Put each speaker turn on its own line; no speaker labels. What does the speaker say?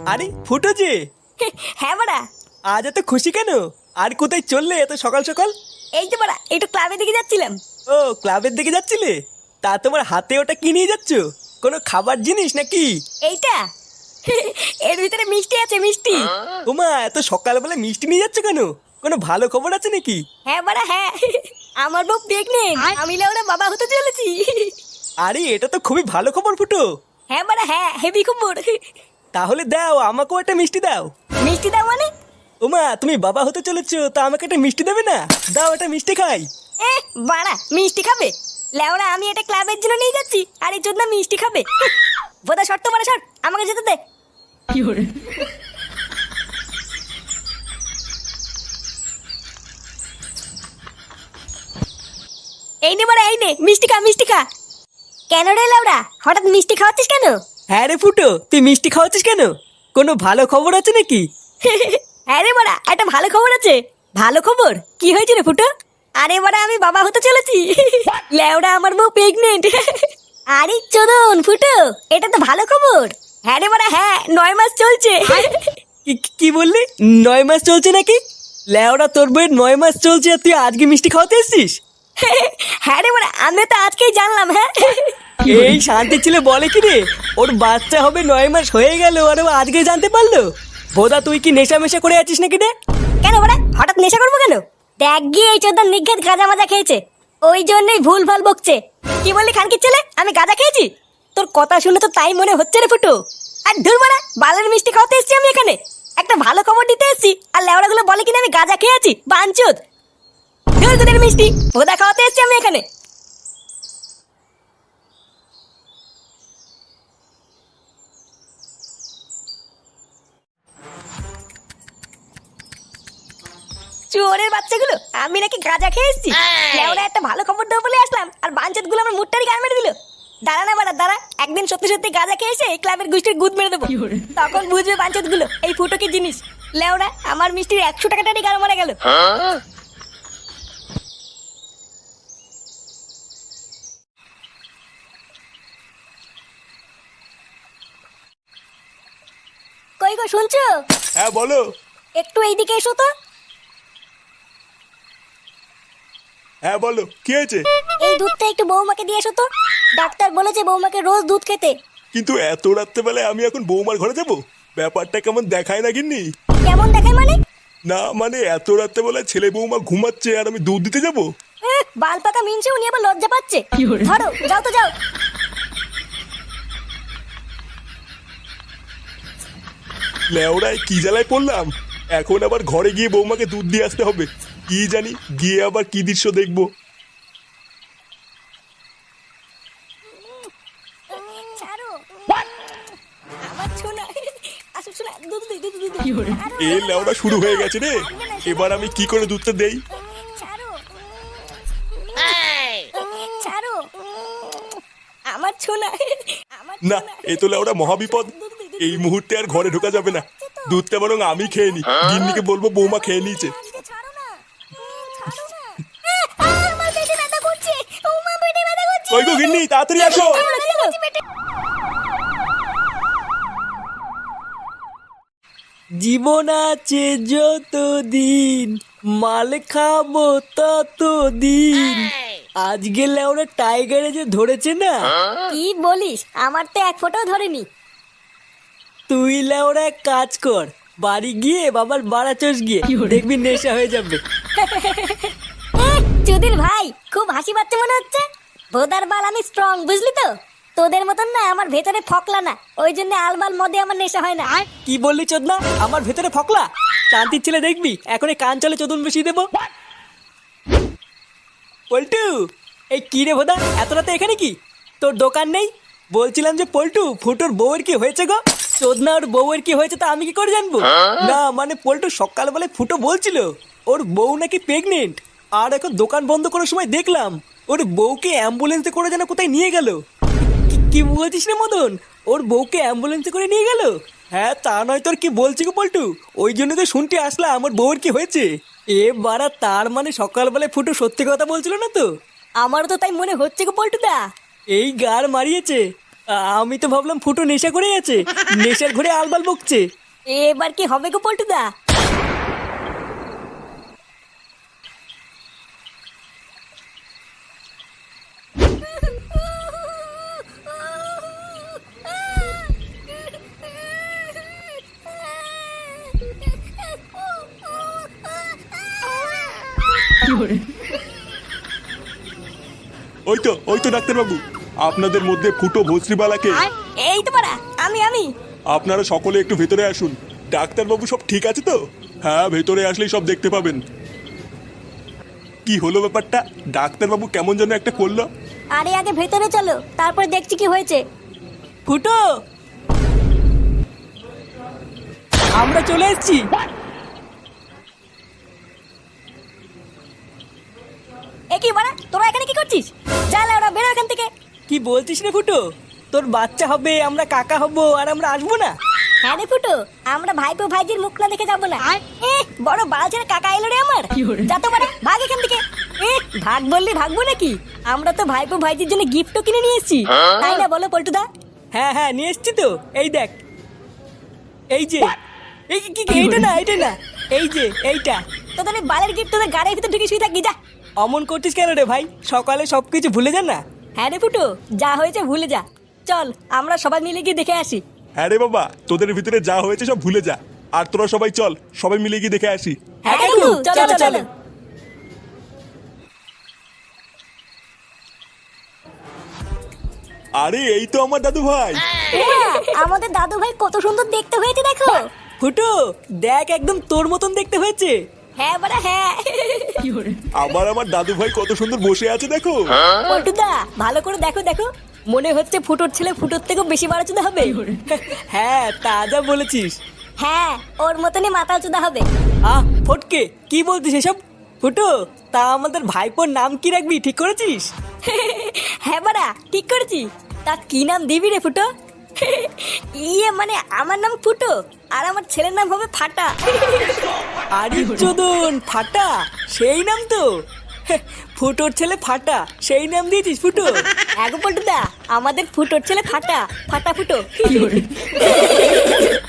আরে ফুটো যে,
হ্যাঁ বাড়া।
আজ এত খুশি কেন? আর কোথায় চললে এত সকাল সকাল?
এই তো বাড়া একটু ক্লাবের দিকে যাচ্ছিলাম।
ও, ক্লাবের দিকে যাচ্ছিলে? তা তোমার হাতে ওটা কি নিয়ে যাচ্ছ? কোনো খাবার জিনিস নাকি?
এইটা এর ভিতরে মিষ্টি আছে, মিষ্টি।
ওমা, এত সকালবেলা মিষ্টি নিয়ে যাচ্ছ কেন? কোনো ভালো খবর আছে নাকি?
হ্যাঁ বাড়া হ্যাঁ, আমার বউ প্রেগনেন্ট, আমি লেওড়া বাবা হতে চলেছি।
আরে এটা তো খুবই ভালো খবর ফুটো।
হ্যাঁ বাড়া হ্যাঁ, হেভি খবর।
তাহলে দাও, আমাকেও একটা মিষ্টি দাও।
মিষ্টি দাও মানে?
ওমা, তুমি বাবা হতে চলেছো, তা আমাকে একটা মিষ্টি দেবে না? দাও, একটা মিষ্টি খাই।
এ বাড়া মিষ্টি খাবে? লেওড়া আমি এটা ক্লাবের জন্য নিয়ে যাচ্ছি, আর এই জন্য মিষ্টি খাবে? বোধা শর্ত বাড়া সর, আমাকে যেতে দে। এই নে বাড়া, এই নে মিষ্টি খা, মিষ্টি খা। কেন রে লেওড়া, হঠাৎ মিষ্টি খাওয়াচ্ছিস কেন?
হ্যাঁ রে ফুটো, তুই মিষ্টি খাওয়াচ্ছিস কেন? কোনো ভালো খবর আছে নাকি?
হ্যাঁ রে বাড়া, একটা ভালো খবর আছে। ভালো খবর? কি হয়েছে রে ফুটো? আরে বাড়া আমি বাবা হতে চলেছি। লেওড়া আমার বউ প্রেগনেন্ট। আরে চোদন ফুটো, এটা তো ভালো খবর। হ্যাঁ রে বাড়া হ্যাঁ, 9 মাস চলছে।
কি বললি? 9 মাস চলছে নাকি? লেওড়া, তোর বইয়ের 9 মাস চলছে আর তুই আজকে মিষ্টি খাওয়াতে এসছিস?
হ্যাঁ রে বাড়া, আমি তো আজকেই জানলাম। হ্যাঁ
এই শান্তি ছেলে বলে কি রে, ওর বাচ্চা হবে 9 মাস হয়ে গেল আর ও আজকে জানতে পারলো? বোধা তুই কি নেশা মেশা করে আছিস নাকি রে?
কেন বাড়া হঠাৎ নেশা করবো কেন? দেখ গিয়ে এই চোদন নিঘাত গাঁজা মাজা খেয়েছে, ওই জন্যই ভুল ভাল বকছে। কি বললি খানকির ছেলে, আমি গাঁজা খেয়েছি? তোর কথা শুনে তো তাই মনে হচ্ছে রে ফুটো। আর ধুর বাড়া, বালের মিষ্টি খাওয়াতে এসেছি আমি এখানে, একটা ভালো খবর দিতে এসেছি, আর লেওড়াগুলো বলে কিনা আমি গাঁজা খেয়েছি। বাঞ্চোদ, ধুর তোদের মিষ্টি, ভোদা খাওয়াতে এসেছি আমি এখানে। চোরের বাচ্চাগুলো, আমি নাকি গাঁজা খেয়ে এসেছি? লেওড়া একটা ভালো খবর দেবো বলে আসলাম, আর বাঞ্চোদ গুলো আমার মুটটারি গান মেরে দিল। দাঁড়া না বাড়া দাঁড়া, একদিন সত্যি সত্যি গাঁজা খেয়ে এসে এই ক্লাবের গোষ্ঠীর গুদ মেরে দেবো, তখন বুঝবে বাঞ্চোদ গুলো এই ফুটো কি জিনিস। লেওড়া আমার মিষ্টির 100 টাকাটারই গান মারা গেল। কই গো শুনছো?
হ্যাঁ বলো।
একটু এইদিকে এসো তো।
হ্যাঁ বলো, কি হয়েছে?
এই দুধটা একটু বৌমাকে দিয়ে এসো তো, ডাক্তার বলেছে বৌমাকে রোজ দুধ খেতে।
কিন্তু এত রাত্রেবেলায় আমি এখন বৌমার ঘরে যাব? ব্যাপারটা কেমন দেখায় না গিন্নি?
কেমন দেখায় মানে?
না মানে এত রাত্রেবেলায় ছেলে বৌমা ঘুমাচ্ছে আর আমি দুধ দিতে যাব?
বাল পাকা মিনছে, উনি আবার লজ্জা পাচ্ছে। ধরো যাও তো যাও।
লেওড়ায় কি জ্বালায় পড়লাম, এখন আবার ঘরে গিয়ে বৌমাকে দুধ দিয়ে আসতে হবে। কি জানি গিয়ে আবার কি দৃশ্য দেখবো।
ছাড়ো আমার ছোনা, আসো ছোনা, দুধ দে, দুধ দুধ।
এ লেওড়া শুরু হয়ে গেছে রে, এবার আমি কি করে দুধটা দেই?
ছাড়ো ছাড়ো আমার ছোনা, আমার
না, এ তো লেওড়া মহাবিপদ। এই মুহূর্তে আর ঘরে ঢোকা যাবে না। দুধটা বরং আমি খেয়ে নি, গিন্নিকে বলবো বৌমা খেয়ে নিয়েছে।
ছাড়ো না, ছাড়ো না। আমার পেটে ব্যথা করছে, ও মা পেটে ব্যথা করছে।
ওই গো গিন্নি, তাড়াতাড়ি আসো।
জীবন আছে যতদিন, মাল খাবো ততদিন। আজ গেলে ওরা টাইগারে যে ধরেছে না।
কি বলিস, আমার তো এক ফোঁটাও ধরেনি।
তুই লেওরা এক কাজ কর, বাড়ি গিয়ে বাবার বাড়া চোষ গিয়ে দেখবি নেশা হয়ে যাবে।
চুদির ভাই খুব হাসি পাচ্ছে মনে হচ্ছে। ভোদার বাল আমি স্ট্রং, বুঝলি তো? তোদের মতন না আমার ভেতরে ফকলা না, ওই জন্য আলমাল মদে আমার নেশা হয় না।
কি বললি চোদনা, আমার ভেতরে ফকলা? শান্তির ছেলে দেখবি এখন এই কান চলে চোদন বসিয়ে দেবো। পল্টু, এই কি রে ভোদা, এত রাতে এখানে কি? তোর দোকান নেই? বলছিলাম যে পল্টু, ফুটোর বউয়ের কি হয়েছে গো? চোদনা, ওর বউয়ের কি হয়েছে তা আমি কি করে জানবো? না মানে পল্টু সকালবেলায় ফুটো বলছিল ওর বউ নাকি প্রেগনেন্ট, আর এখন দোকান বন্ধ করার সময় দেখলাম ওর বউকে অ্যাম্বুলেন্সে করে যেন কোথায় নিয়ে গেল। কি বলছিস রে মদন, ওর বউকে অ্যাম্বুলেন্সে করে নিয়ে গেল? হ্যাঁ তা নয় তোর, কি বলছি গো পল্টু, ওই জন্য তো শুনতে আসলাম আমার বউয়ের কি হয়েছে। এ বাড়া, তার মানে সকালবেলায় ফুটো সত্যি কথা বলছিল না তো?
আমারও তো তাই মনে হচ্ছে গো পল্টুদা।
এই গার মারিয়েছে। আমি তো ভাবলাম ফুটো নেশা করে আছে, নেশার ঘরে আলবাল বকছে।
এবার কি হবে গো পল্টুদা?
ওই তো ডাক্তারবাবু, আপনাদের মধ্যে ফুটো ভস্রিবালাকে।
এই তো পারা, আমি
আপনারা সকলে একটু ভেতরে আসুন। ডাক্তারবাবু সব ঠিক আছে তো? হ্যাঁ, ভেতরে আসলেই সব দেখতে পাবেন। কি হলো ব্যাপারটা? ডাক্তারবাবু কেমন যেন একটা করলো।
আরে আগে ভেতরে চলো, তারপর দেখছি কি হয়েছে।
ফুটো, আমরা চলে এসেছি।
এ কি বাড়া, তোরা এখানে কি করছিস? যা ওরা বেরো এখান থেকে।
কি বলছিস রে ফুটো? তোর বাচ্চা হবে, আমরা কাকা হব, আর আমরা আসবো না?
হ্যাঁ রে ফুটো, আমরা ভাইপো ভাইজির মুখ না দেখে যাবো না। বড় বালছের কাকা এলো রে আমার। যা তো বাড়া, ভাগ এখান থেকে। ভাগ বললি ভাগবো নাকি? আমরা তো ভাইপো ভাইজির জন্য গিফটও কিনে নিয়ে এসেছি, তাই না বলো পল্টুদা?
হ্যাঁ হ্যাঁ, নিয়ে এসছি তো। এই দেখ, এই যে এইটা না, এই যে এইটা।
তোদের এই বালের গিফট তোদের গাড়ির ভিতর ঢুকে শুয়ে থাকি, যা।
অমন করছিস কেন রে ভাই? সকালে সবকিছু ভুলে যান না।
হ্যাঁ রে ফুটো, যা হয়েছে ভুলে যা। চল আমরা সবাই মিলে গিয়ে দেখে আসি।
হ্যাঁ রে বাবা, তোদের ভিতরে যা হয়েছে সব ভুলে যা। আর তোরা সবাই চল, সবাই মিলে গিয়ে দেখে আসি।
হ্যাঁ কাকু, চলো চলো।
আরে এই তো আমার দাদু ভাই।
আমাদের দাদু ভাই কত সুন্দর দেখতে হয়েছে দেখো।
ফুটো দেখ, একদম তোর মতন দেখতে হয়েছে।
হ্যাঁ বাড়া হ্যাঁ।
আমার দাদু ভাই কত সুন্দর বসে আছে দেখো।
পল্টুদা ভালো করে দেখো দেখো, মনে হচ্ছে ফুটোর ছেলে ফুটোর থেকেও বেশি বাড়াচুদা হবে।
হ্যাঁ, তা যা বলেছিস।
হ্যাঁ, ওর মতনই মাথা চুদা হবে।
ফটকে, কি বলছিস এসব? ফুটো, তা আমাদের ভাইপোর নাম কি রাখবি ঠিক করেছিস?
হ্যাঁ বাড়া, ঠিক করেছি। তা কি নাম দিবি রে ফুটো? মানে আমার নাম ফুটো, আর আমার ছেলের নাম হবে ফাটা।
আরে চোদন, ফাটা সেই নাম তো। ফুটোর ছেলে ফাটা, সেই নাম দিয়েছিস ফুটো?
এগো পল্টুদা, আমাদের ফুটোর ছেলে ফাটা, ফাটা ফুটো।